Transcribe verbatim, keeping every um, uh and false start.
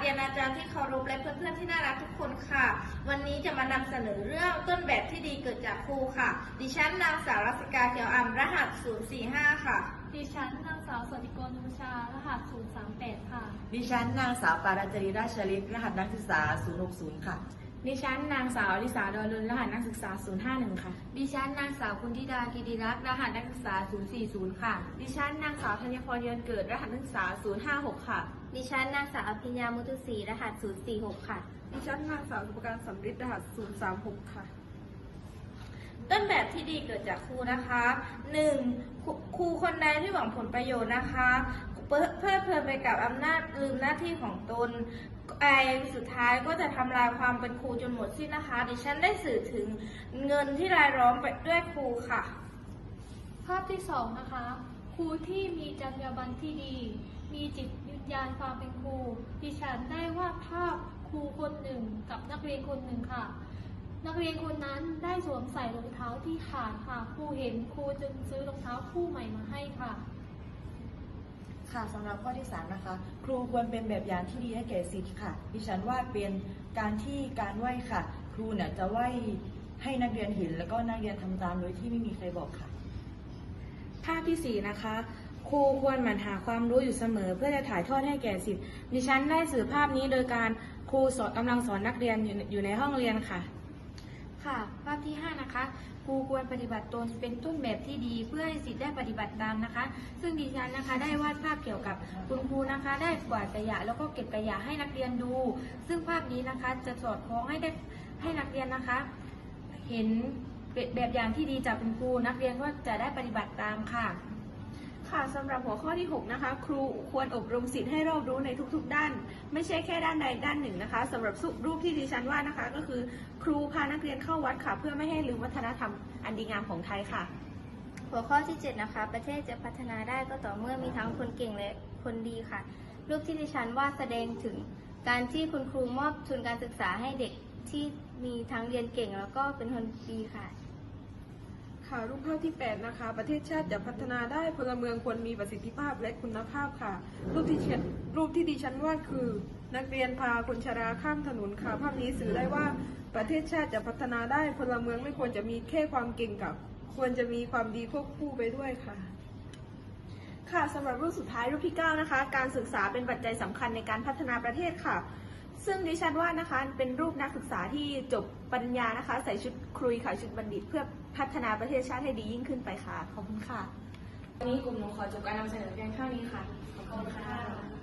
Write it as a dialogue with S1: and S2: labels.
S1: รียนอาจารย์ที่เคารพและเพื่อนๆที่น่ารักทุกคนค่ะ วันนี้จะมานำเสนอเรื่องต้นแบบที่ดีเกิดจากครูค่ะ ดิฉันนางสาวรัศกาเขียวอ่ำรหัสศูนย์สี่ห้าค่ะ
S2: ดิฉันนางสาวสติกรนุชารหัสศูนย์สามแปดค่ะ
S3: ดิฉันนางสาวปาราจรีราชฤทธิ์รหัสนักศึกษาศูนย์หกศูนย์ค่ะ
S4: ดิฉันนางสาวอลิสาดอลุนรหัสนักศึกษาศูนย์ห้าหนึ่งค่ะ
S5: ดิฉันนางสาวคุณธิดากิติรักษ์รหัสนักศึกษาศูนย์สี่ศูนย์ค่ะ
S6: ดิฉันนางสาวธัญพรเยือนเกิดรหัสนักศึกษาศูนย์ห้าหกค่ะ
S7: ดิฉันนางสาวอภิญญามุตุศรีรหัสศูนย์สี่หกค่ะ
S8: ดิฉันนางสาวสุภการสำริดรหัสศูนย์สามหกค่ะ
S1: ต้นแบบที่ดีเกิดจากครูนะคะหนึ่งครูคนใดที่หวังผลประโยชน์นะคะเพลิดเพลินไปกับอำนาจลืมหน้าที่ของตนไอสุดท้ายก็จะทำลายความเป็นครูจนหมดสิ้นนะคะดิฉันได้สื่อถึงเงินที่รายล้อมไปด้วยครูค่ะ
S2: ภาพที่สองนะคะครูที่มีจรรยาบรรณที่ดี มีจิตวิญญาณความเป็นครูดิฉันได้วาดภาพครูคนหนึ่งกับนักเรียนคนหนึ่งค่ะนักเรียนคนนั้นได้สวมใส่รองเท้าที่ขาดค่ะครูเห็นครูจึงซื้อรองเท้าคู่ใหม่มาให้ค่ะ
S3: ค่ะสำหรับข้อที่สามนะคะครูควรเป็นแบบอย่างที่ดีให้แก่ศิษย์ค่ะดิฉันว่าเป็นการที่การไหว้ค่ะครูเนี่ยจะไหว้ให้นักเรียนเห็นแล้วก็นักเรียนทำตามโดยที่ไม่มีใครบอกค่ะ
S4: ภาพที่สี่นะคะครูควรหมั่นหาความรู้อยู่เสมอเพื่อจะถ่ายทอดให้แก่ศิษย์ดิฉันได้สื่อภาพนี้โดยการครูสอนกำลังสอนนักเรียนอยู่ในห้องเรียนค่ะ
S5: ค่ะภาพที่ห้านะคะครูควรปฏิบัติตนเป็นต้นแบบที่ดีเพื่อให้ศิษย์ได้ปฏิบัติตามนะคะซึ่งดิฉันนะคะได้วาดภาพเกี่ยวกับคุณครูนะคะได้กวาดขยะแล้วก็เก็บขยะให้นักเรียนดูซึ่งภาพนี้นะคะจะสอดคล้องให้ได้ให้นักเรียนนะคะเห็นแบบอย่างที่ดีจากคุณครูนักเรียนก็จะได้ปฏิบัติตามค่ะ
S6: ค่ะสำหรับหัวข้อที่หกนะคะครูควรอบรมศิษย์ให้รอบรู้ในทุกๆด้านไม่ใช่แค่ด้านใดด้านหนึ่งนะคะสำหรับรูปที่ดิฉันว่านะคะก็คือครูพานักเรียนเข้าวัดค่ะเพื่อไม่ให้ลืมวัฒนธรรมอันดีงามของไทยค่ะ
S7: หัวข้อที่เจ็ดนะคะประเทศจะพัฒนาได้ก็ต่อเมื่อมีทั้งคนเก่งและคนดีค่ะรูปที่ดิฉันว่าแสดงถึงการที่คุณครูมอบทุนการศึกษาให้เด็กที่มีทั้งเรียนเก่งแล้วก็เป็นคนดีค่ะ
S8: ค่ะรูปภาพที่แปดนะคะประเทศชาติจะพัฒนาได้พลเมืองควรมีประสิทธิภาพและคุณภาพค่ะรูปที่เชรูปที่ดิฉันวาดคือนักเรียนพาคนชราข้ามถนนค่ะภาพนี้สื่อได้ว่าประเทศชาติจะพัฒนาได้พลเมืองไม่ควรจะมีแค่ความเก่งกับควรจะมีความดีควบคู่ไปด้วยค่ะ
S6: ค่ะสำหรับรูปสุดท้ายรูปที่เก้านะคะการศึกษาเป็นปัจจัยสำคัญในการพัฒนาประเทศค่ะซึ่งดิฉันว่านะคะเป็นรูปนักศึกษาที่จบปริญญานะคะใส่ชุดครุยค่ะชุดบัณฑิตเพื่อพัฒนาประเทศชาติให้ดียิ่งขึ้นไปค่ะขอบคุณค่ะ
S4: วันนี้กลุ่มหนูขอจบการนำเสนอเพียงเท่านี้ค่ะขอบคุณค่ะ